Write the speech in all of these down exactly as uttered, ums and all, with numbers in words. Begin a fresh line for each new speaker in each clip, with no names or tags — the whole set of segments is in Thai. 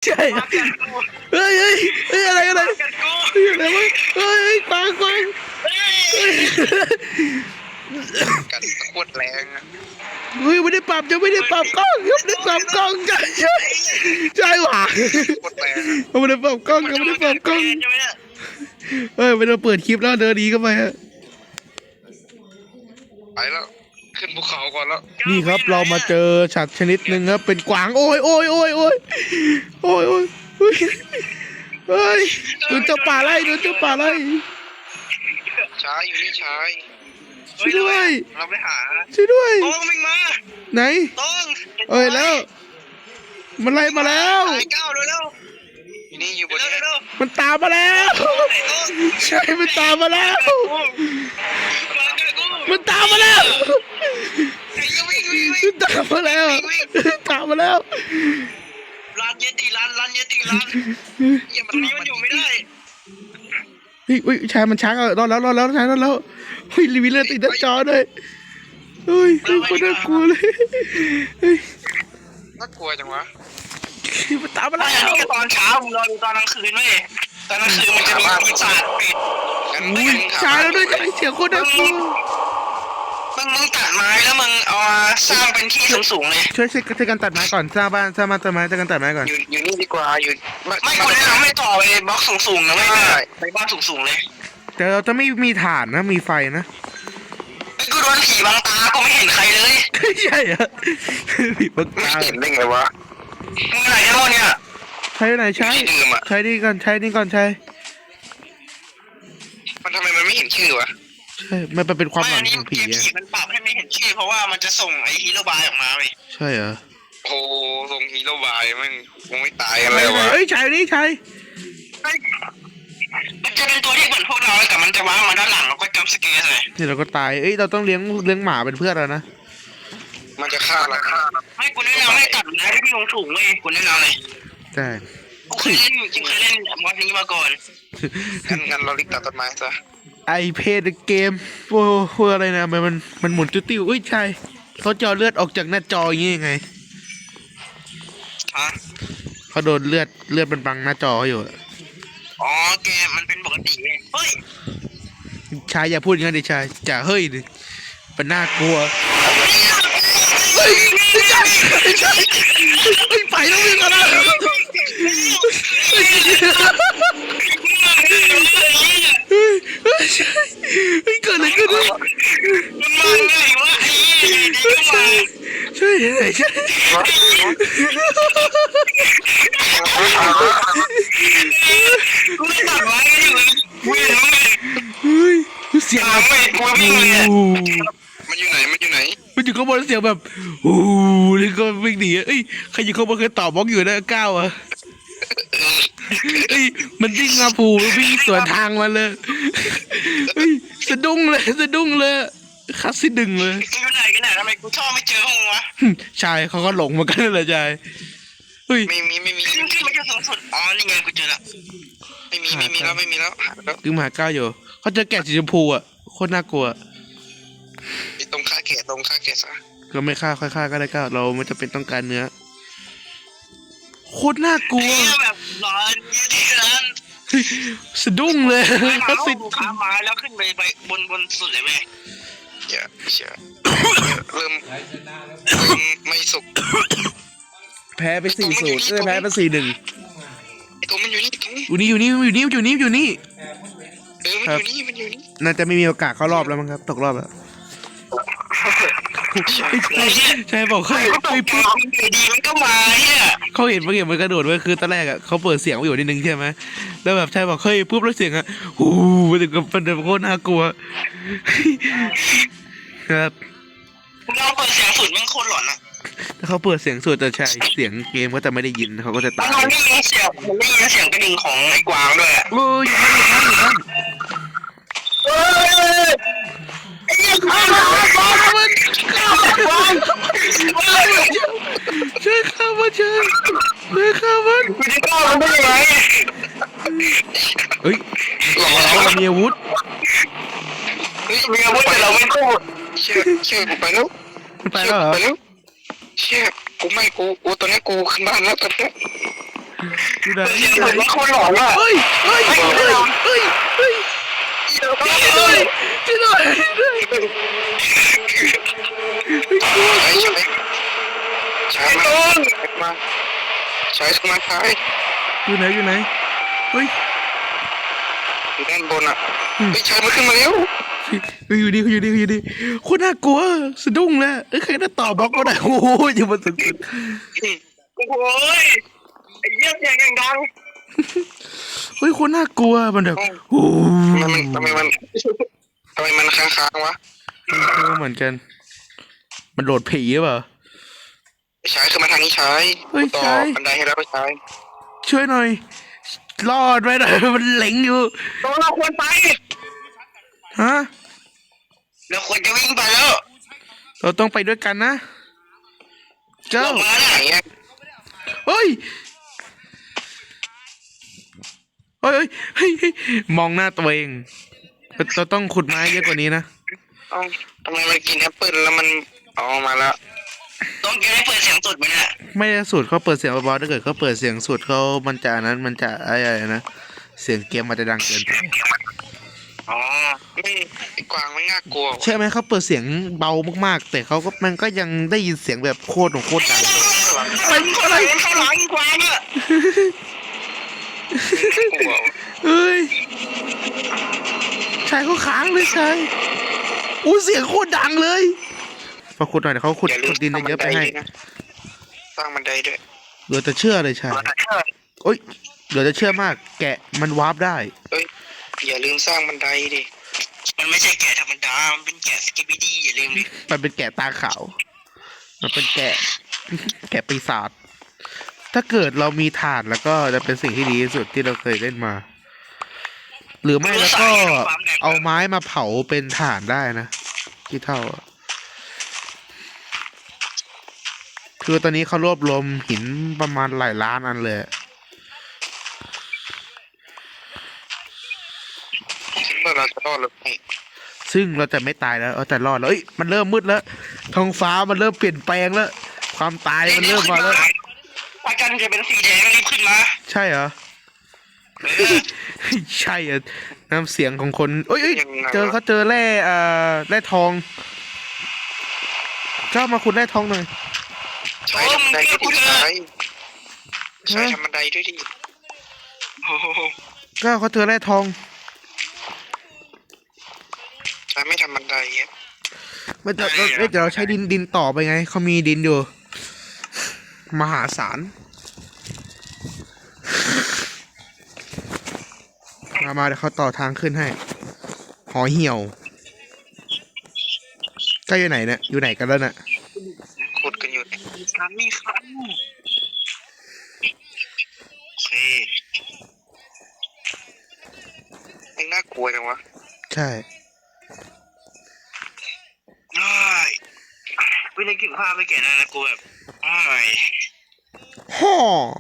ใช่เฮ้ยเฮ้ยเฮ้ยอะไรอะไรเฮ้ยอะไรวะเฮ้ยกวางกวาง
กัดโคตรแรง
เฮ้ยไม่ได้ปรับจะไม่ได้ปรับกล้องยังไม่ได้ปรับกล้องใช่ใช่ใช่หว่า
โคตรแรง
ไม่ได้ปรับกล้องยังไม่ได้ปรับกล้องเฮ้ยไม่ต้องเปิดคลิปแล้วเดินดีเข้าไปฮะ
ไปแล้วขึ้นภูเขาก่อนแล้ว
นี่ครับเรามาเจอสัตว์ชนิดหนึ่งครับเป็นกวางโอ้ยโอ้ยโอ้ยโอ้ยโอ้ยโอ้ยเฮ้ยเฮ้ยดูเจ้าป่าไล่ดูเจ้าป่าไล่
ช้าอยู่นี่ช้า
ช่วยด้วย
เราไปหา
ช่วยด้วย
ต้องวิ่งมา
ไหน
ต้อง
เอ้ยแล้วมันไล่มาแล้ว
ไอ้ก้าวเร็วนี่อยู่บนนี้
มันตามมาแล้วใช่มันตามมาแล้วมันตามมาแล้วมันตามมาแล้วตามมาแล้ว
ร้านเยติร้านร้านเยติร้านอย่ามันนี้มันอยู่ไม่ได้
เฮ้ยเฮ้ยชายมันช้างเออรอดแล้วรอดแล้วชายรอดแล้วเฮ้ยรีวิวเลยติดหน้าจอด้วยเฮ้ยเฮ้ยคนน่ากลัวเลยเฮ้ย
น่ากลัวจังวะ
มันตามมาแล้ว
นี่ก็ตอนเช้ามึงรอดูตอนกลางคืนไหมตอนกลางคืนมันจะมีปีศาจปิด
อุ้ยชายแล้วด้วยเสียงคนน่ากลัว
มึงมึงตัดไม้แล้วมึงเอามาสร้างเป็นที่สูงๆเลย
ช่วยช่วยช่วยกันตัดไม้ก่อนสร้างบ้านสร้างบ้านต้นไม้ช่วยกันตัดไม้ก่อน
อยู่อยู่นี่ดีกว่าอยู่ไม่ควรแนะนำให้ต่อไปบล็อกสูงๆนะไม่ได้ไปบ้านสูงๆเลย
แต่เราจะไม่มีฐานนะมีไฟนะ
ไอ้กูโดนผีบังตาก็ไม่เห็นใครเลย
ใช่เหรอผีบังตา
เห็นได้ไงวะมึงไหนกันวะเนี่ย
ใช้ไหนใช้ใช้นี่ก่อนใช้นี่ก่อนใช้
มันทำไมมันไม่เห็นชื่อวะ
ใช่มันเป็นความหวังของผี
ผีมันปรับให้ไม่เห็นชื่อเพราะว่ามันจะส่งไอ้ฮีโร่บายออกมาไป
ใช่เหรอ
โอ้ส่งฮีโร่บายมันคงไม่ตายอะไรวะ
เฮ้ยใช่นี่ใช่
มันจะเป็นตัวที่เหมือนพวกเราแต่มันจะว้ามาด้านหลังแล้วก็จัมป์สแกร์เลย
นี่เราก็ตายเอ้ยเราต้องเลี้ยงเลี้ยงหมาเป็นเพื่อนเรานะ
มันจะฆ่าเราให้กูแนะนำให้ตัดไม้ที่มีสูงเลยกูแนะนำเลย
ใช่
กูเคยเล่นจริงเคยเล่นมอดนี้มาก่อนงั้นงั้นเราลิกตัดต้นไม้ซะ
ไอเพจเกมโอ้โหอะไรนะมันมันมันหมุนติ้วติ้วเอ้ยใช่เขาจอเลือดออกจากหน้าจออย่างงี้ยังไง
ฮะ
เขาโดนเลือดเลือดมันบังหน้าจออยู่
อ๋อเกมมันเป็นปกติเลยเฮ้ย
ชายอย่าพูดอย่างนั้นดิชายจ่าเฮ้ยดิเป็นน่ากลัวเฮ้ยไม่ใช่ไม่ใช่เฮ้ยไปแล้ววิ่งอะไรเฮ้ยเฮ้ยใช่เฮ้ยเกิดอะไรขึ้นวะ
มันมาไงวะ
ใช่ใช่ใช่ใช่
กูไม่ตัดไว้อยู่วิ่ง
เฮ้ยเสียง
ไม่กลัววิ่งเลยมันอยู่ไหนมันอยู่ไหน
มันอยู่ข้างบนเสียงแบบโอ้แล้วก็วิ่งหนีเอ้ยใครอยู่ข้างบนเคยต่อบล็อกอยู่นะก้าวอ่ะเอ้ยมันวิ่งมาผูวิ่งสวนทางมาเลยเฮ้ยสะดุ้งเลยสะดุ้งเลยคัสซิดึงเลย
อยู่ไหนกันเนี่ยทำไมกูชอบไม่เจอห้องวะ
ชายเขาก็หลงเหมือนกันเลยชายเฮ้ย
ไม่มีไม่มีขึ้นขึ้นมาแค่สูงสุดอ๋อนี่ไงกูเจอละไม่มีไม่มีแล้วไม่มีแล้ว
คือหาก้าวอยู่เขาเจอแกะสีชมพูอ่ะโคตรน่ากลัว
ตรงฆ่าแกะตรงฆ่าแกะซะ
ก็ไม่ฆ่าค่อยฆ่าก็ได้ก้าวเราไม่จำเป็นต้องการเนื้อโคตรน่ากลัว
แบบร้อนที่ร้าน
สะดุ้งเลย
เขาสิขาไม้แล้วขึ้นไปไปบนบนสุดเลยแม่เยอะเชื่อเริ่มเริ่มไม่สุก
แพ้ไปสี่ศูนย์แพ้ไปสี่หนึ่ง
ตัวมันอยู่นี่
อยู่นี่อยู่นี่อยู่นี่อยู่นี่อยู่นี่
เออมันอยู่นี่มันอยู่นี่
น่าจะไม่มีโอกาสเข้ารอบแล้วมั้งครับตกรอบแล้วใช่บอกเขา
ไปปุ๊บดีมันก็มาเนี่ย
เขาเห็นเมื่อกี้มันกระโดดไว้คือตอนแรกอ่ะเขาเปิดเสียงไว้อยู่นิดนึงใช่ไหมแล้วแบบใช่บอกเฮ้ยปุ๊บแล้วเสียงอ่ะโอ้โหมันถึงกับเป็นโคตรน่ากลัวครับ
เราเปิดเสียงสุดมันโคตรหลอนอ่ะ
ถ้าเขาเปิดเสียงสุดแต่ใช่เสียงเกมก็จะไม่ได้ยินเขาก็จะตาย
มันไม่ยินเสียงมันไม่ยินเสียงกระดิ่งของไอ้กวางด้วย
โอ้ยอยู่นั่นอยู่นั่นอยู่นั่น
เฮ้ยไอ้ยังข้ามันข้ามันข้ามัน
ช่วยข้ามันช่วยช่วยข้ามัน
คุณจะก้าวมันได้ยังไง
เฮ้ยเรามีอาวุธ
เฮ้ยมีอาวุธแต่เราไม่พูดเชื่อเชื่อกูไปแล้ว
ไปแล้วเหรอ
ไปแล้วเชื่อกูไม่กูกูตอนนี้กูขึ้นบ้านแล้วตอนนี้
อยู่ไหน
เสี
อย
ง
ยู่
เห
ไหน
มือนคนหลอนอ่ะ
เฮ้ยเฮ้ยเฮ้ยเฮ้ยเฮ้ยเฮ้ยช่วยหน่อยช่วยหน่อยกลัว
ใช้ใช้ใช้มามาใช้มาใช้
อยู่ไหนอยู่ไหนเฮ้ย
อยู่ด้านบนอ่ะไม่ใช้มันขึ้นมาแล้ว
เฮ้ยอยู่ดีอยู่ดีอยู่ดีโคตรน่ากลัวสะดุ้งเลยเอ้ยใครน่าต่อบล็อกก็ได้โอ้โหอยู่บนสุด
โอ้โหไอ้เยี่ยมอย่างดัง
เฮ้ยโคตรน่ากลัวมันแบบโอ้
ทำไมมันทำไมมันทำไมมันค้างๆวะ
เหมือนกัน มันโดดผีหรือเปล่า
ใช้คือมาทางนี้ใช้ต่อบันไดให้เราไปใช้
ช่วยหน่อย รอดไว้หน่อยมันเหล็งอยู่
ตัวเราควรไป
ฮะ
เราควรจะวิ่งไปแล้ว
เราต้องไปด้วยกันนะเจ้า
มาไหนอ่ะ
เฮ้ยเฮ้ยเฮ้ยเฮ้ยมองหน้าตัวเองเราต้องขุดไม้เยอะกว่านี้นะ
เอ้าทำไมมันกินแอปเปิ้ลแล้วมันออกมาแล้วต้องแกให้เปิดเสียงสุดไหมเนี่ย
ไม่ได้สูตรเขาเปิดเสียงเบาๆถ้าเกิดเขาเปิดเสียงสุดเขามันจะนั้นมันจะอะไรนะ เสียงเกมมันจะดังเกินไป
อ๋อไม่ไอ้กวางไม่น่ากลัว
ใช่ไหมเขาเปิดเสียงเบามากๆ แต่เขาก็มันก็ยังได้ยินเสียงแบบโคตรของโคตรดัง
อะไรอะไรข้างหลังกวางอ่ะกลัว
เฮ้ยชายเขาค้างเลยชายอู้เสียงโคตรดังเลยมาขุดหน่อยเดี๋ยวเขาขุดขุดดินเยอะไปให้
สร้างบันไดด้วย
เหลือแต่เชื่อเลยชายโอ้ยเหลือแต่เชื่อมาก แกะมันวาร์ปได้
เอ้ยอย่าลืมสร้างบันไดดิ มันไม่ใช่แกะธรรมดา มันเป็นแกะสกิปปี้ดี้อย่าลืมดิ
มันเป็นแกะตาขาว มันเป็นแกะ แกะปีศาจ ถ้าเกิดเรามีถ่านแล้วก็จะเป็นสิ่งที่ดีที่สุดที่เราเคยเล่นมา หรือไม่แล้วก็เอาไม้มาเผาเป็นถ่านได้นะที่เท่า คือตอนนี้เขารวบรวมหินประมาณหลายล้านอันเลย
คิดว่าเราจะรอดหรือไม่
ซึ่งเราจะไม่ตายแล้วเอาแต่รอดแล้วเอ้ยมันเริ่มมืดแล้วท้องฟ้ามันเริ่มเปลี่ยนแปลงแล้ว ความตายมันเริ่มมาแล้ว
อาการจะเป็นสีแดงรีบขึ้นมา
ใช่เหรอ ใช่อ่ะน้ำเสียงของคนเอ้ยเอ้ยเจอเขาเจอแร่อ่าแร่ทองเจ้ามาขุดแร่ทองหน่อย
ใช้ทำบันไดด้วยดิใช้ใช้ทำบันไดด้วยดิโอ้โห
เจ้าเขาเจอแร่ทอง
ใช้ไม่ทำบันไดอ่ะ
ไม่เดี๋ยวเราเดี๋ยวเราใช้ดินดินต่อไปไงเขามีดินอยู่ มหาศาลมามาเดี๋ยวเขาต่อทางขึ้นให้ หอเหี่ยวใกล้อยู่ไหนเนี่ยอยู่ไหนกันแล้วน่ะ
ขุดกันอยู่ครับมีครับโอเคไม่น่ากลัวจังวะ
ใช่
ได้วิธีกินข้าวไปแก่นะนะกูแบบอ้าย
ฮ่อ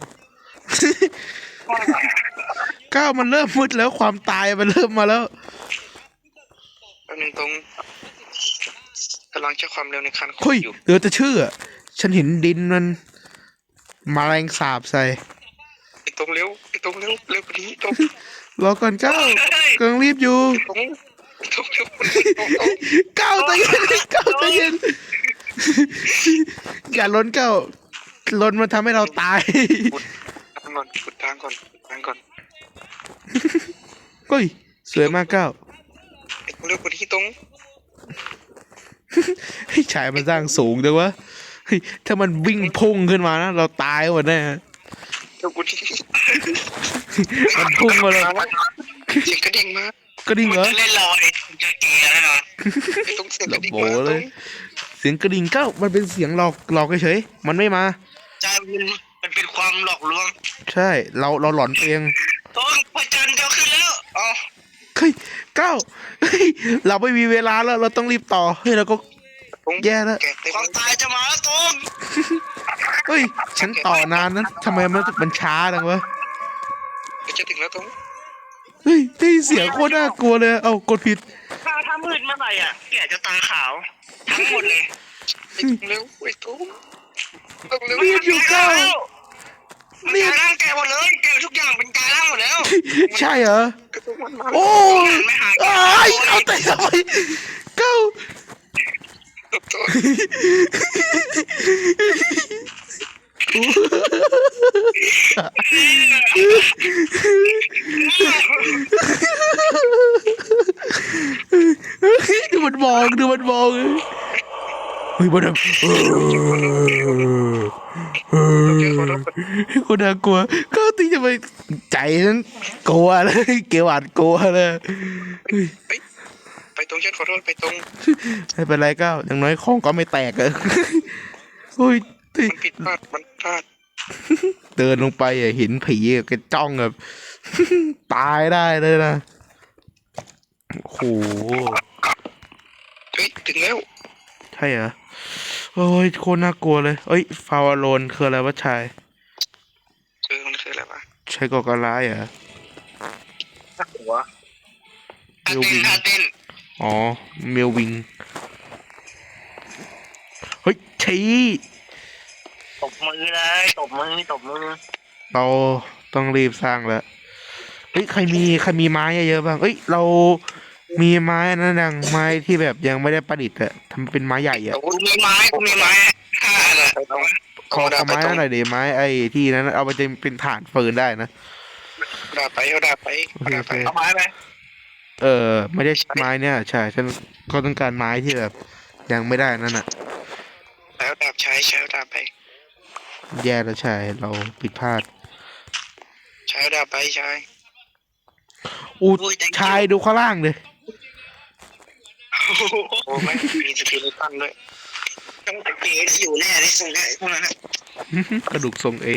ก้าวมันเริ่มมืดแล้วความตายมันเริ่มมาแล้ว
แป๊บนึงตรงกำลังใช้ความเร็วในคันขุ
เฮ้
ด
ย
อยู่
เหลือแต่ชื่ออะฉันเห็นดินมันแมาแรงสาบใส่
ไอ้ตรงเร็วไอ้ตรงเร็วเร็วกว่านี้ตรง
รอก่อนก้าวกำลังรีบอยู่
ตรงตรงเร็วตรงตรง
ก้าวใจเย็นก้าวใจเย็นอย่าล้นก้าวล้นมันทำให้เราตาย
ขุดทางก่อนขุดทางก่อนขุดทางก่อน
เฮ้ยสวยมากก้าว
ไอ้ตรงเร็วกว่านี้ตรง
ให้ชายมันสร้างสูงจังวะเฮ้ยถ้ามันวิ่งพุ่งขึ้นมานะเราตายหมดแน่
เร็วกว่านี้
มันพุ่งมาเลย
เสียงกระดิ่งมา
ก็ดิ่งเหรอ
จะเล่นรอเลยจะเกย์แล้วนะไอ้ตรงเสียงกระดิ่ง
โบ
มาต
เล
ร
ย
ง
เสียงกระดิ่งก้าวมันเป็นเสียงหลอกหลอกเฉยๆมันไม่มา
ใช่มันมันเป็นความหลอกลวง
ใช่เราเราหลอนเอง
ตรงพระจันทร์จะขึ้นแล้วอ๋อ
เฮ้ยก้าวเฮ้ยเราไม่มีเวลาแล้วเราต้องรีบต่อเฮ้ยเราก็
ตรง
แย่แล้ว
แกะความตายจะมาแล้วตรง
เฮ้ยฉันต่อนานนะทำไมมันมันช้าจังวะ
จะถึงแล้วตรง
เฮ้ยได้ยินเสียงโคตรน่ากลัวเลยเอ้ากดผิด
ถ้าถ้ามืดเมื่อไหร่อ่ะแกจะตาขาวทั้งหมดเลยไอ้ตรงเร็วไอ้ตรงตรงเร็ว
รีบอยู่ก้าว
มัน
นี่
กลายร่างแกหมดเลยแกทุกอย่างเป็นกลายร่างหมดแล้ว
ใช่เหรอ
มันมา
โอ้ย
ไม่หาย
อ้ายเอาแต่ทำไมเก้าดูมันมองดูมันมองเฮ้ยมันแบบเออเออคนน่ากลัวก็ตีจะไปใจนั้นกลัวเลยเกลียวหวาดกลัวเลยเฮ้ย
ไปตรงฉันขอโทษไปตรง
ไม่เป็นไรก้าวอย่างน้อยของก็ไม่แตกเลยโอ้ย
มันผิดพลาดมันพลาด
เดินลงไปอ่ะเห็นผีอะก็จ้องแบบ ตายได้เลยนะโอ้โห
เฮ้ยถึงแล้ว
ใช่เหรอโอ้ยโคตรน่ากลัวเลยเอ้ยฟาวโลนคืออะไรวะชาย
เออมันคืออะไรวะ
ใช่ก่อการร้ายเหรอ
นักหัวท่าเต้นท่าเต้น
อ๋อเมลวิงเฮ้ยชี้
ตบมือเลยตบมือตบมือ
เราต้องรีบสร้างแล้วเฮ้ยใครมีใครมีไม้เยอะๆบ้างเอ้ยเรามีไม้นั่นยังไม้ที่แบบยังไม่ได้ประดิษฐ์อะทำเป็นไม้ใหญ่อะ
กูมีไม้กูมีไม้ห้าอันอะ
ขอขอไม้นั่นหน่อยดิไม้ไอ้ที่นั้นเอาไปจะเป็นฐานฟืนได้นะ
ดาไปเอาดาไปเอาดาไปเอาไม้ไหม
เออไม่ได้ไม้เนี่ยใช่ฉันก็ต้องการไม้ที่แบบยังไม่ได้นั่นน่ะ
แล้วดาบใช้ใช้ดาบไป
แย่แล้วใช่เราผิดพลาด
ใช้ดาบไปใช้
อู้ชายดูข้างล่างเลย
โอ้ไม่มีสกิลตันด้วยต้องตะเกียบอยู่แน่เลยส่งได้พวกนั้น
กระดูกทรงเอ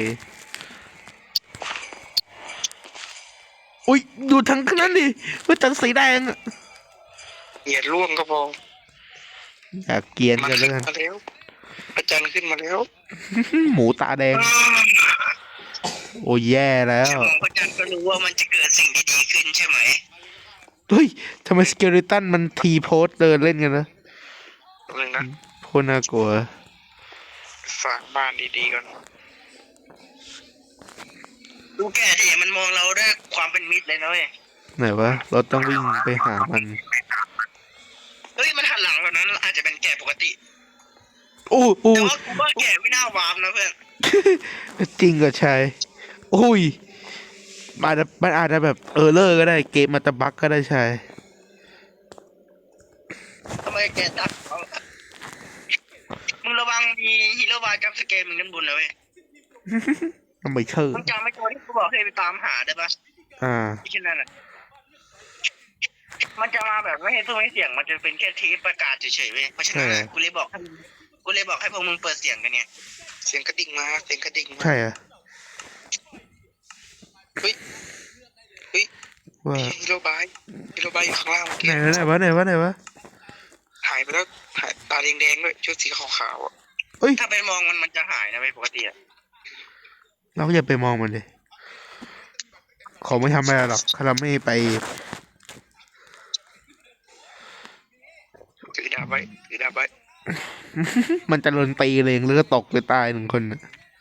อุ้ยดูทั้งนั้นดิว่าจังสีแดงอะ
เหยียดร่วงก็พอ
อยากเกรียน
มัน
กัน
ขึ้
แล้ว
น
กัน
มาแล้วอาจารย์ขึ้นมาแล้ว
หมูตาแดง โอ้ยแย่แล้ว
สมองอาจารย์ก็รู้ว่ามันจะเกิดสิ่งดีๆขึ้นใช่ไหม
เฮ้ยทำไมสเกลิตันมันทีโพสเดินเล่นกันนะ
หนึ่งนะ
โคตรน่ากลัว
ฝากบ้านดีๆก่อนดูแกดิมันมองเราด้วยความเป็นมิตรเลยนะเว้ย
ไหนวะเราต้องวิ่งไปหามัน
เฮ้ยมันหันหลังแบบนั้นอาจจะเป็นแก่ปกติ
โอ้โอ้
แต่ว่ากูว่าแก่ไม่น่าวาร์ปนะเพื่อน
จริงก็ใช่โอ้ยมันอาจจะมันอาจจะแบบเออเลอร์ก็ได้เกมมันจะบั๊กก็ได้ใช่
ทำไมแก่ตัดเขามึงระวังมีฮีโร่บายกับสเกมมึงด้านบนนะเว้ย
ทำไมเชื่อ
มึงจำไม่ตัวที่กูบอกให้ไปตามหาได้ปะ
อ่า
ที่ชื่อนั่นอ่ะมันจะมาแบบไม่ให้สู้ไม่เสียงมันจะเป็นแค่เทปประกาศเฉยๆเว้ยเพราะฉะนั้นอะกูเลยบอกให้กูเลยบอกให้พวกมึงเปิดเสียงกันเนี่ยเสียงกระดิ่งมาเสียงกระดิ่งมา
ใช่อะ
เฮ้ยเฮ้ย
ว่า
ฮีโร่บายฮีโร่บายอยู่ข้างล่างเมื่อ
ไห
กี้
นวะไหนวะไหนวะไหนวะ
หายไปแล้วหายตาแดงๆด้วยชุดสีขาวๆอ่ะ
เอ้ย
ถ้าไปมองมันมันจะหายนะไม่ปกติอ่ะ
เราก็อย่าไปมองมันเลยขอไม่ทำอะไรหรอกถ้าเราไม่ไป
ถือดาบไว้ถือดาบไว้
มันจะโดนตีเลยหรือก็ตกหรือตายหนึ่งคนน่ะ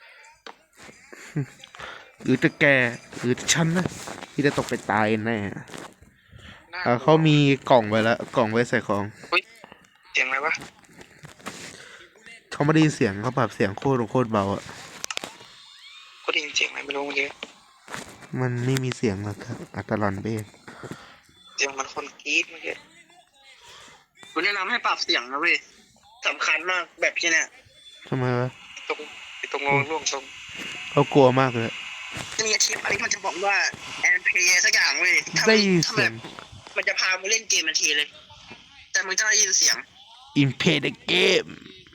หรือจะแกหรือจะฉันนะที่จะตกไปตายแน่เออเขามีกล่องไว้แล้วกล่องไว้ใส่ของ
เสียงอะไรวะ
เขาไม่ได้ยินเสียงเขาปรับเสียงโคตรโคตรเบาอ่ะ
ก็ได้ยินเสียงอะไรไม่รู้เมื่อกี้
มันไม่มีเสียงหรอกครับอัตลอนเบง
เสียงมันคนกรี๊ดเมื่อกี้กูแนะนำให้ปรับเสียงนะเว้ยสำคัญมากแบบที่เนี่ย
ทำไมวะ
ตรงตรงงงร่วงตรง
เขากลัวมากเลย
จะมีอาชีพอะไรที่มันจะบอกว่าแอนเพย์สักอย่างเว้ยถ้า
ได้
มัน
ยิน
ถ้า
เสี
แบ
ยง
บมันจะพามึงเล่นเกมทันทีเลย แต่มึงจะได้ยินเสียง
อินเพดเกม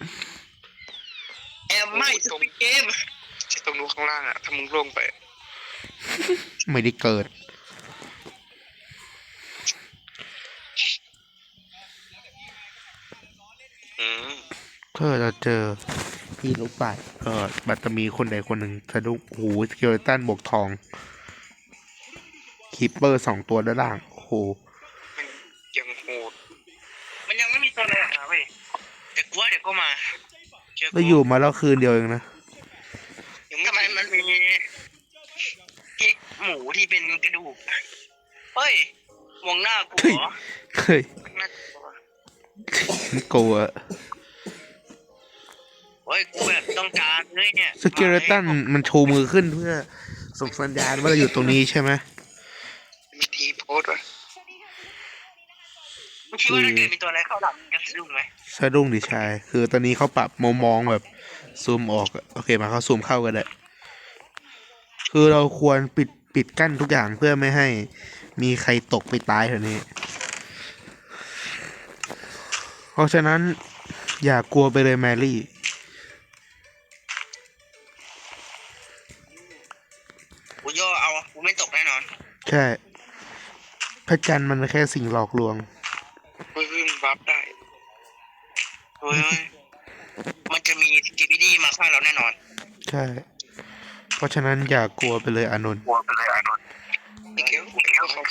แอมไม่สปิเกมที่ตรงนู้นข้างล่างอ่ะถ้ามึงร่วงไป
ไม่ได้เกิด
อืม
ถ้าเราเจอพี่ลูกป่ายก็บัตจะมีคนใดคนหนึ่งสะดุ้งหูสเกลตันบวกทองคีปเปอร์สองตัวด้านล่างโอ้โห
มันยังโหดมันยังไม่มีตัวไหนนะเว้ยแต่กูว่าเดี๋ยวก็มาเชื่อกู
แล้วอยู่มาแล้วคืนเดียวเองนะ
ทำไมมันมีมูที่เป็นกระดูกเฮ้ยมองหน้ากูเหรอ
เฮ้ย
น่ากลัว
กลัว
เฮ้ยกูแบบต้องการเลยเนี่ย
สเกเลตันมันชูมือขึ้นเพื่อส่งสัญญาณว่าเราอยู่ตรงนี้ใช่ไหม
มีทีโพสต์ว่ะมึงคิดว่าถ้าเกิดมีตัวอะไรเข้าหลังมึงจะสะดุ้งไหม
สะดุ้งดิชาย คือตอนนี้เขาปรับมุมมองแบบซูมออกอะโอเคมาเขาซูมเข้ากันได้คือเราควรปิดปิดกั้นทุกอย่างเพื่อไม่ให้มีใครตกไปตายแถวนี้ เพราะฉะนั้นอย่ากลัวไปเลยแมรี่
กูย่อเอากูไม่ตกแน่นอน
ใช่พระจันทร์มันแค่สิ่งหลอกลวง
เฮ้ยมึงบัฟได้เฮ้ยมันจะมีสกิบิดี้มาฆ่าเราแน่นอน
ใช่ เพราะฉะนั้นอย่ากลัวไปเลยอานนท์
กลัวไปเลยอานนท์เก็บเก็บเขา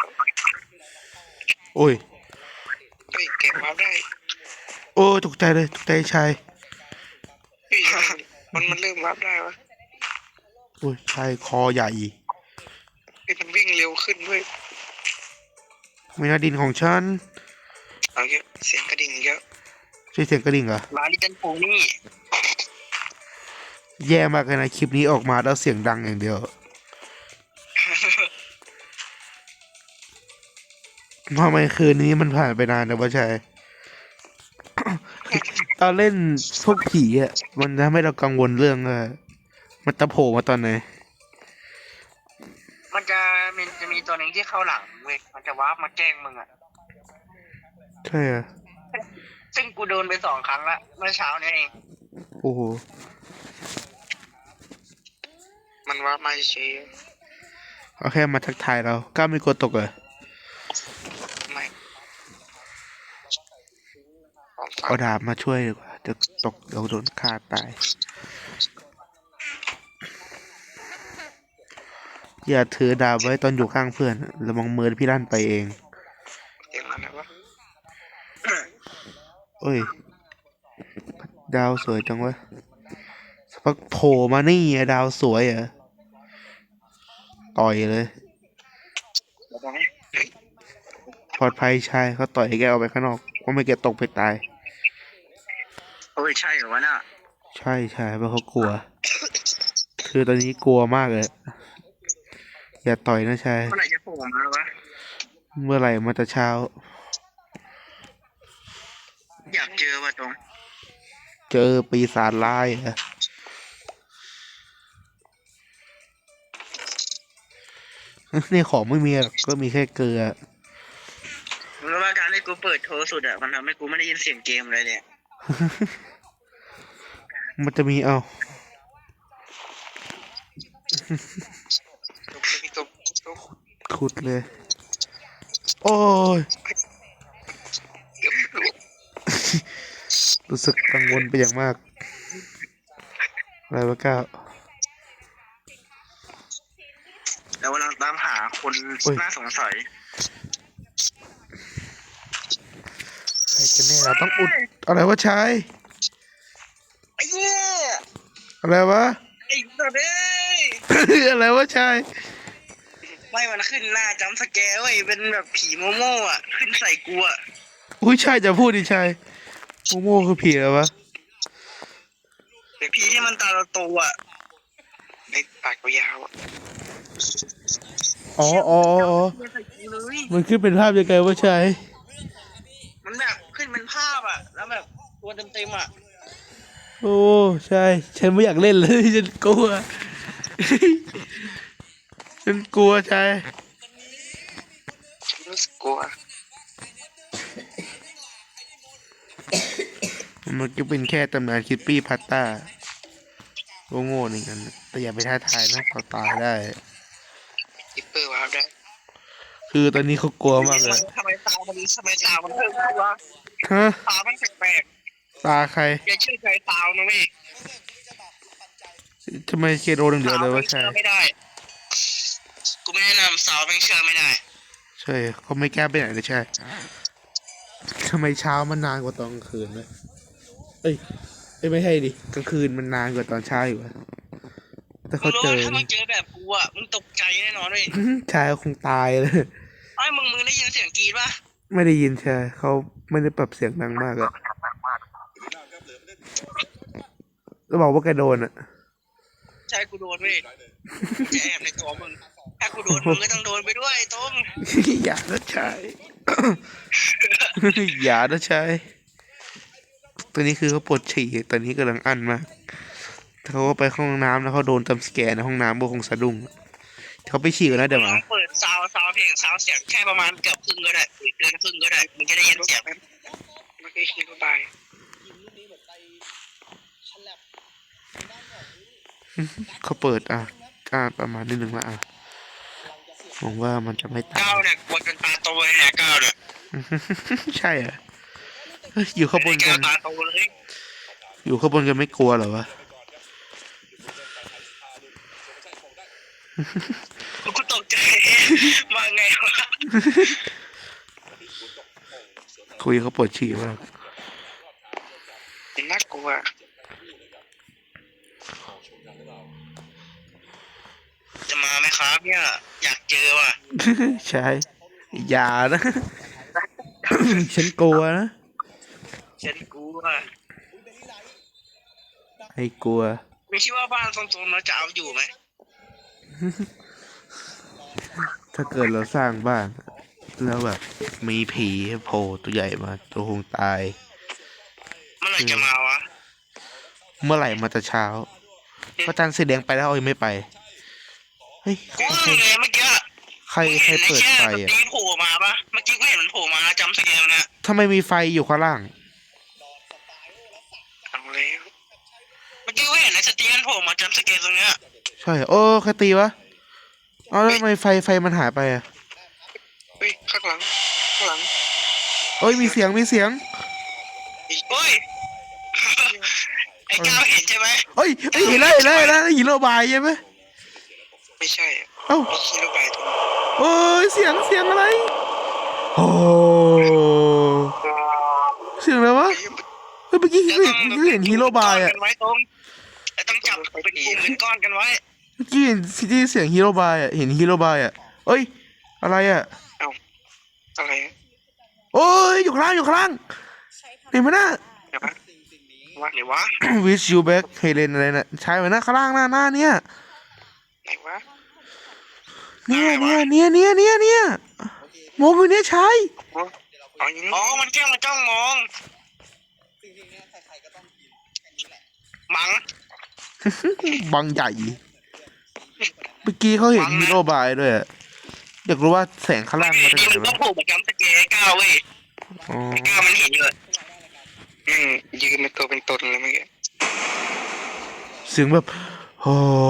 โอ้ย
เฮ้ยเก็บบัฟได้
โอ้ตกใจเลยตกใจชาย
เฮ้ยมันมันเริ่มบัฟได้วะ
โอ้ยชายคอใหญ่
เฮ้ยมันวิ่งเร็วขึ้นด้วย
ไม่น่าดินของฉัน
เอาเยอะเสียงกระดิ่งเยอะ
ใช่เสียงกระดิ่งเหรอ
ลาลิจันปูนี่
แย่มากเลยนะคลิปนี้ออกมาแล้วเสียงดังอย่างเดียวทำไมคืนนี้มันผ่านไปนานนะวะชาย ตอนเล่นพวกผีอ่ะมันทำให้เรากังวลเรื่องเออมันจะโผล่มาตอนไหน
มันจะมันจะมีตัวหนึ่งที่เข้าหลังเว้ยมันจะวาร์ปมาแกล้งมึงอ่ะ
ใช่อ่ะ
ซึ่งกูโดนไปสองครั้งละเมื่อเช้านี้เอง
โอ้โห
มันวาร์ปมาเฉย
เอาแค่มาทักทายเรากล้าไม่กลัวตกเหรอ
ไม่
เอาดาบมาช่วยดีกว่าจะตกเดี๋ยวโดนฆ่าตาย อย่าถือดาบไว้ตอนอยู่ข้างเพื่อนระวังมือพี่ลั่นไปเอง
เสียงอะไรวะ
โอ้ย ดาวสวยจังวะสักพักโผล่มานี่อะดาวสวยเหรอต่อยเลย ปลอดภัยชายเขาต่อยให้แกออกไปข้างนอกว่าไม่แกตกไปตาย
โอ้ยใช่เหรอวะน่ะ
ใช่ใช่เพราะเขากลัว คือตอนนี้กลัวมากเลย อย่าต่อยนะชาย
เมื่อไหร่จะโผล่มาวะ
เมื่อไหร่มันจะเช้า
อยากเจอว่ะตรง
เจอปีศาจร้ายเหรอนี่ของไม่มีหรอกก็มีแค่เกลือ
รู้ว่าการที่กูเปิดโทรสุดอ่ะมันทำให้กูไม่ได้ยินเสียงเกมเลยเนี่ย
มันจะมีเอา
ตกตกตก
ขุดเลย โอ้ย
เกือบหลุด
รู้สึกกังวลไปอย่างมาก อะไรวะก้าว
แล้วเราตามหาคนน่าสงสัย
ใครกันแน่เราต้องอุด อะไรวะชาย
ไอ้เหี้ย
อะไรวะ
ไอ้สัตว์เอ้ย
อะไรวะชาย
ไม่มันขึ้นหน้าจำสแกร์เว้ยเป็นแบบผีโมโม่อ่ะ ขึ้นใส่กูอ่ะ
อุ้ยชายจะพูดดิชายโมโม่คือผีอะไรวะ
ผีที่มันตาโตอ่ะไอ้ปากยาวอ่ะ
อ๋ออ๋ออ๋อ
ใส่กูเลย
มันขึ้นเป็นภาพยังไงวะชาย
มันแบบขึ้นเป็นภาพอ่ะ แล้วแบบตัวเต็มๆอ่ะ
โอ้ใช่ ฉันไม่อยากเล่นเลย ฉันกลัว ฉันกลัวชาย
รู้สึกกลัว
มันก็เป็นแค่ตำนานคิปปี้พัตตาโง่ๆหนึ่งกันแต่อย่าไปท้าทายนะเขาตายได้
จิปเปอร์วาร์ปได้
คือตอนนี้เขากลัวมากเลย
ทำไมตามันทำไมตามันเพิ่มขึ้นวะ
ฮะ
ตามันแปลก
ตาใคร
ๆอย่าเชื่อใจตานะเว้ย
ทำไมเคโดนเดียวเลยวะ
เชื่
ชาย
อไม่ได้ กูไม่แนะนำสาวไม่เชื่อไม่ได้
ใช่เขาไม่แก้ไปไหนเลยใช่ทำไมเช้ามันนานกว่าตอนกลางคืนวะเอ้ยเอ้ยไม่ใช่ดิกลางคืนมันนานกว่าตอนเช้าอยู่วะแต่
มึ
เขา
งรู้
เจอ
ว่าถ้ามึงเจอแบบกูอ่ะมึงตกใจแน่นอนเลย
ชายคงตายเลย
ไอ้มึงมึงได้ยินเสียงกรีดป่ะ
ไม่ได้ยินชายเขาไม่ได้ปรับเสียงดังมากอะแล้วบอกว่าแกโดนอะ
ใช่กูโดนเว้ยจะแอบในตัวมึงถ้ากูโดนมึงก็ต้องโดนไปด้วยตรง
อย่านะชาย อย่านะชายตอนนี้คือเขาปวดฉี่ตอนนี้กำลังอั้นมากเขาก็ไปเข้าห้องน้ำแล้วเขาโดนจำสแกนในห้องน้ำพวกคงสะดุ้งเขาไปฉี่กันนะเดี๋ยว
ล
มา
องเปิดซาวซาวเพลงซาวเสียงแค่ประมาณเกือบครึ่งก็ได้หรือเกินครึ่งก็ได้มึงจะได้ยินเสียงเมื่อกี้คิดว่าบาย
เขาเปิดอ่ะอ่าประมาณนิดนึงละอ่ะหวังว่ามันจะไม่ตาย
ก้าวเนี่ยกลัวจนตาโตเลยเนี่ยก้าวเนี่ย
ใช่เหรอเฮ้ยอยู่ข้างบนกั
ก้าวน ตาโตเลย
อยู่ข้างบนกันไม่กลัวเหรอวะ
กูตกใจมาไงวะ
คุยเขาปวดฉี่มาก
น่ากลัวจะมาไหมครับเนี่ยอยากเจอว่ะ
ใช่อย่านะ ฉันกลัวนะ
ฉันกลัว
ให้กลัว
ไม่คิดว่าบ้านทรงๆเราจะเอาอยู่ไหม
ถ้าเกิดเราสร้างบ้าน แล้วแบบมีผีโผล่ตัวใหญ่มาตัวคงตาย
เมื่อไหร่จะมาวะ
เมื่อไหร่มาจะเช้าพระจันทร์สีแดงไปแล้วเอายังไม่ไป เฮ้ย
กูเพิ่งเลยเมื่อกี้
ใครใครเปิดไฟ
เห็น
อ่ะ
ไอ้แค่ตีโผล่มาปะเมื่อกี้กูเห็นมันโผล่มาจำสแกนเนี่ย
ทำไมมีไฟอยู่ข้างล่าง
เอาแล้วเมื่อกี้กูเห็นไอ้สตีนโผล่มาจำสแกนตรงเนี้ย
ใช่โอ้ใครตีวะเอาแล้วทำไมไฟไฟมันหายไปอ่ะ
เฮ้ยข้างหลังข้างหลัง
เอ้ยมีเสียงมีเสียง
เฮ้ยไอ้ก้าวเห็นใช่ไหม
เอ้ยเอ้ยเห็นแล้วเห็นแล้วเห็นแล้วฮีโร่บายใช่ไหม
ไม่ใช่
เอ้า
ไม่ใช่ลูกบายตัว
โอ้ยเสียงเสียงอะไรโอ้เสียงอะไรวะเฮ้ยเมื่อกี้เห็นเมื่อกี้เห็นฮีโร่บายอ่ะ
ไว้ตรงแต่ต้องจับเป็นกลุ่มเป็นก้อนกันไว้
เมื่อกี้เห็นซีดีเสียงฮีโร่บายอ่ะเห็นฮีโร่บายอ่ะเอ้ยอะไรอ่ะ
เอ้าอะไร
โอ้ยอยู่ข้างล่างอยู่ข้างล่างเห็นไหมนะ
เดี๋ยววะวะไหนวะ
wish you back เฮเลนอะไรนะใช่ไหมนะข้างล่างหน้าหน้าเนี่ย
ไหนวะ
เนี่ยเนี่ยเนี่ยเนี่ยเนี่ยเนี่ยมองอยู่เนี่ยใช่
อ๋ออย่างนี้อ๋อมันแค่มาจ้องมองมัง
บังใหญ่เมื่อกี้เขาเห็นฮีโร่บายด้วยอะอยากรู้ว่าแสงข้างล่างมาจาก
ดี
ไหน
มันต้อ
วะ
งผูกกับย้ำสเกย์ก้าวเว้ย
อ๋อ
ก้าวมันเห็นอยู่อืมยืนเป็นตัวเป็นตนเลยเมื่อกี้
เสียงแบบโอ้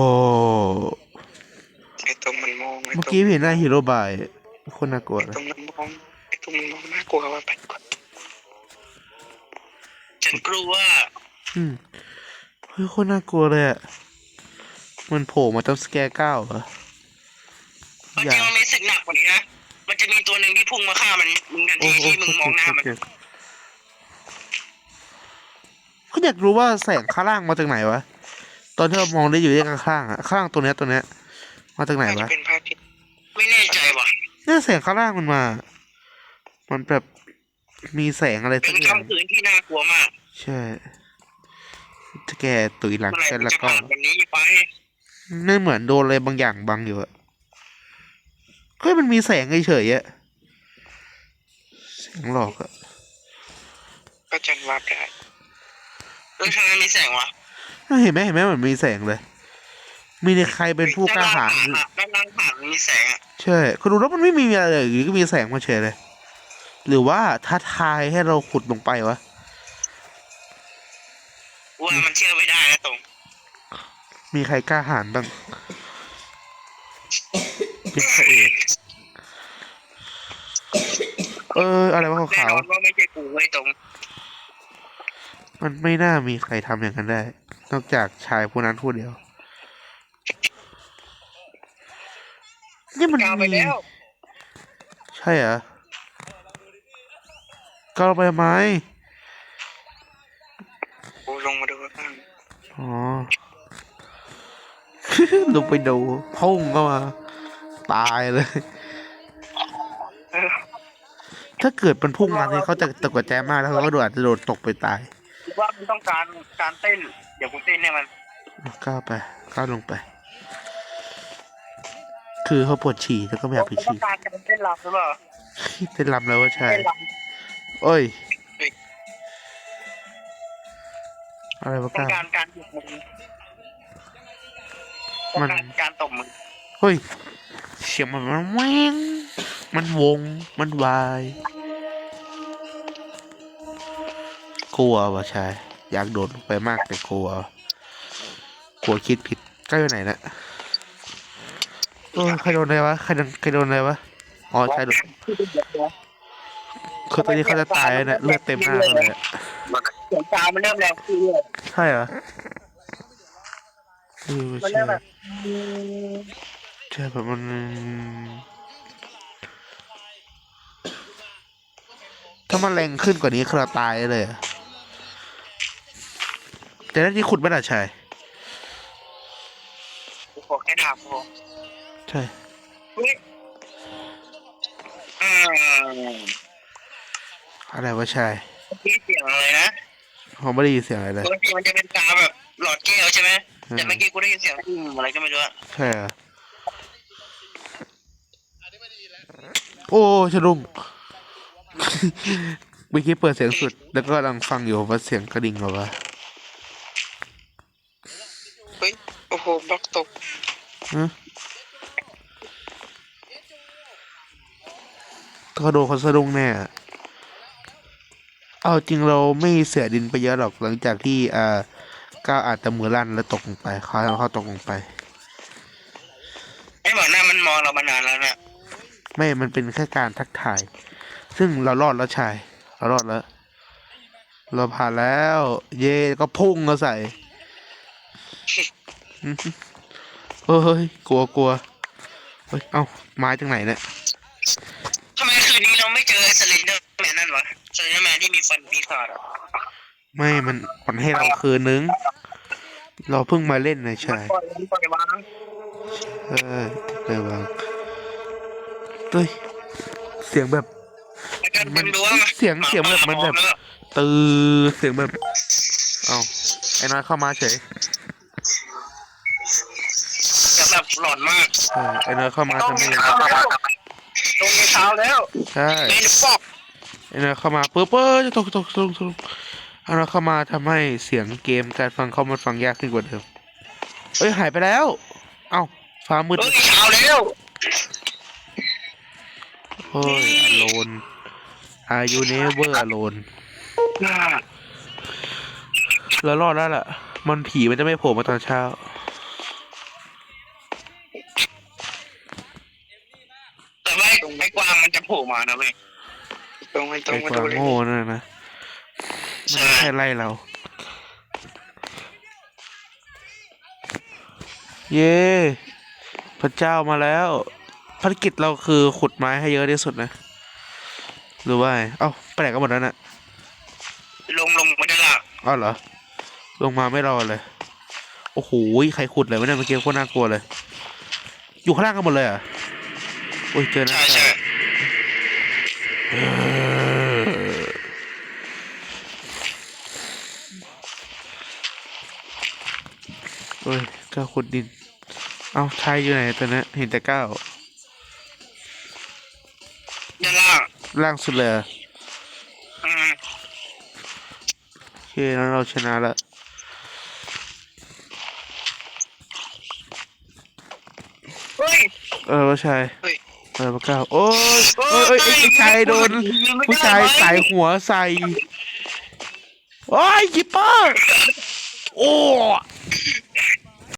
ไอ้ตรงมันมองไอ้
เมื่อ
ตรง
กี้เห็นหน้าฮีโร่บายคนน่ากลัว
ไอ้
นะ
ตรงมันมองไอ้ตรงมันมองน่ากลัวว่าไปก่อนฉันกลัว
อืมเฮ้ยคนน่ากลัวเลยอะมันโผล่มาตั้งสแกร์เก้าเหรอ
มัน
อย่า
จะมันมีสึกหนักกว่านี้นะมันจะมีตัวหนึ่งที่พุ่งมาฆ่ามันมึงทัน
โอ้
ที
โห
ที่มึงมองหน้ามัน
เขาอยากรู้ว่าแสงข้างล่างมาจากไหนวะตอนที่เรามองได้อยู่ที่ข้างๆอะข้างตัวเนี้ยตัวเนี้ยมาจากไหน
น่าจะ
วะ
เป็นพระอาทิตย์ไม่แน่ใจว่ะ
เนี่ยแสงข้างล่างมันมา มันแบบมีแสงอะไร
เป็
สั
น
กอย่าง
คำคืนที่น่ากลัวมาก
ใช่ถ้าแกตุยหลัง
เมื่อไหร่
กัน
มัน
แล้ว
จะ
ก็
ผ่านวันนี้ไป
ไม่เหมือนโดนอะไรบางอย่างบังอยู่อะเฮ้ยมันมีแสงเฉยๆอะแสงหลอกอะ
ก็จันวาบได้เออทำไมมีแสงวะ
เห็นไหมเห็นไหมเหมือนมีแสงเลย มีในใครเป็นผู้กล้าหาญ
ด้านล่างผ่านมันมีแสงอ่ะ
ใช่คุณดูแล้วมันไม่มีอะไรเลยอยู่ดีก็มีแสงมาเฉยเลย หรือว่าท้าทายให้เราขุดลงไปวะ
ว่ามันเชื่อไม่ได้นะตรง
มีใครกล้าหาญบ้างเป็นพระเอกเอออะไรวะ
แน่
ขาวน
อนว่าไม่ใช่กูไว้ตรง
ๆมันไม่น่ามีใครทำอย่างนั้นได้ นอกจากชายผู้นั้นผู้เดียวนี่มัน
กาวไป
มี
แล้ว
ใช่เหรอก็เราไปทำไม
กูลงมาดูข้าง
อ๋อลงไปดูพุ่งเข้ามาตายเลย
เออ
ถ้าเกิดมันพุ่งมาเนี่ยเขาจะตกใจมากแล้วเขาก็โดนอาจจะโดนตกไปตาย
คิดว่ามึงต้องการการเต้นเดี๋ยวกูเต้นให้มัน
ก้าวไปก้าวลงไป คือเขาปวดฉี่แล้วก็ไม่อยากไป
มึงต้อ
ฉี่
งการการเต้นรำหรือเปล่า
เต้นรำแล้วว่าใช่
เต้นร
โอ้ย อะไรวะ
ำต้อ
ก้าง ว
การการหยุดมึงต้องการการตบมึง
เฮ้ยเสียงมันมันแหวงมันวงมันวายกลัววะชายอยากโดดลงไปมากแต่กลัวกลัวคิดผิดใกล้ไปไหนนะโอ้ยใครโดนอะไรวะใครโดนใครโดนอะไรวะอ๋อใช่โดนคือตอนนี้เขาจะตายแล้วเนี่ยเลือดเต็มหน้าเขาเลยอะ
เสียงตามันเริ่มแรงขึ้นเลย
ใช่เหรอเออ
มัน
ใช่
เริ่มแบบ
ใช่แบบมันถ้ามันแรงขึ้นกว่านี้คือเราตายเลยอะแต่ได้ที่ขุดไม่ได้ใช่
กูขอแค่ถามกู
ใช่
อืม
อะไรวะชาย
เมื่อกี้เสียงอะไรนะ
ผมไม่ได้ยินเสียงอะไรเลย
ปกติมันจะเป็นกาแบบหลอดแก้วใช่ไหมแต่เมื่อกี้กูได้ยินเสียงอืมอะไรก็ไม่รู้อะ
ใช่เหรอโอ้ชะลุง เมื่อกี้เปิดเสียงสุด แล้วก็กำลังฟังอยู่ว่าเสียงกระดิ่งเหรอวะ
เฮ้ยโอ้โหบล็อกตก
ฮะเขาโดนเขาสะดุ้งแน่อะเอาจริงเราไม่เสียดินไปเยอะหรอกหลังจากที่อ่าก้าวอาจจะมือลั่นแล้วตกลงไปเขาเขาตกลงไป
ไอ้หมอหน้ามันมองเรามานานแล้วนะ
ไม่ มันเป็นแค่การทักทาย ซึ่งเรารอดแล้วชาย เรารอดแล้ว เราผ่านแล้ว เย่ก็พุ่งเราใส่ อื้อหือเฮ้ย กลัวกลัวเฮ้ย เอ้า ไม้จากไหนเนี่ย
ทำไมคืนนี้เราไม่เจอสเลนเดอร์แมนนั่นวะสเลนเดอร์แมนที่มีฟันปีศาจอะ
ไม่ มันมันให้เราคืนนึง เราเพิ่งมาเล่นนะชาย
ปล่อยมันปล่อยวาง
เออเลยวางเฮ้ย เสียงแบบ
แล้วกัน
มั
เต็
น
มดวงอะ
เสียงเสียงแบบมันแบบ ตือเสียงแบบ เอ้า ไอ้น้อยเข้ามาเฉย
เสียงแบบหลอนมาก
ใช่ไอ้น้อยเข้ามา
ต้อง
ทำไม
มีเท้าแล้วตรงมีเท้าแล้ว
ใช่
เล่นปอก
ไอ้น้อยเข้ามาปุ๊บเอ้ยจะตกตกตกตกไอ้น้อยเข้ามาทำให้เสียงเกมการฟังเขามันฟังยากขึ้นกว่าเดิมเอ้ยหายไปแล้ว เอ้าฟ้ามืด
เฮ้ยเท้าแล้ว
โอ้ย alone are you never alone แล้วรอดแล้วล่ะ มันผีมันจะไม่โผล่มาตอนเช้า
แต่ว่าไอ้กวางมันจะโผล่มานะเว้ยตรงไปตร
ไอ้
งมา
ค
ดู
วาม
เลย
โง่นั่นนะมันแค่ไล่เรา เย้พระเจ้ามาแล้วภารกิจเราคือขุดไม้ให้เยอะที่สุดนะหรือว่าไงเอ้าไปไหนกันหมดแล้วน่ะ
ลงลงมาด้านล่าง
อ้าวเหรอลงมาไม่รอเลยโอ้โหใครขุดเลยไม่ได้เมื่อกี้โคตรน่ากลัวเลย อยู่ข้างล่างกันหมดเลยเหรอ่ะโอ้ยเจอนะ
ใช่ใช่
เออโอ้ยก้าวขุดดินเอ้าชายอยู่ไหนตอนนี้เห็นแต่ก้าว
ด้านล่าง
ล่างสุดเลยเหรอ
อืม
โอเคแล้วเราชนะแล้ว
เฮ้ย
เออว่าชาย
เฮ้ย
เออพระเก้าโอ้ยเอ้ยเอ้ยไอ้ไอ้ชายโดนผู้ชายใส่หัวใส่โอ้ยกิปเปอร์โอ้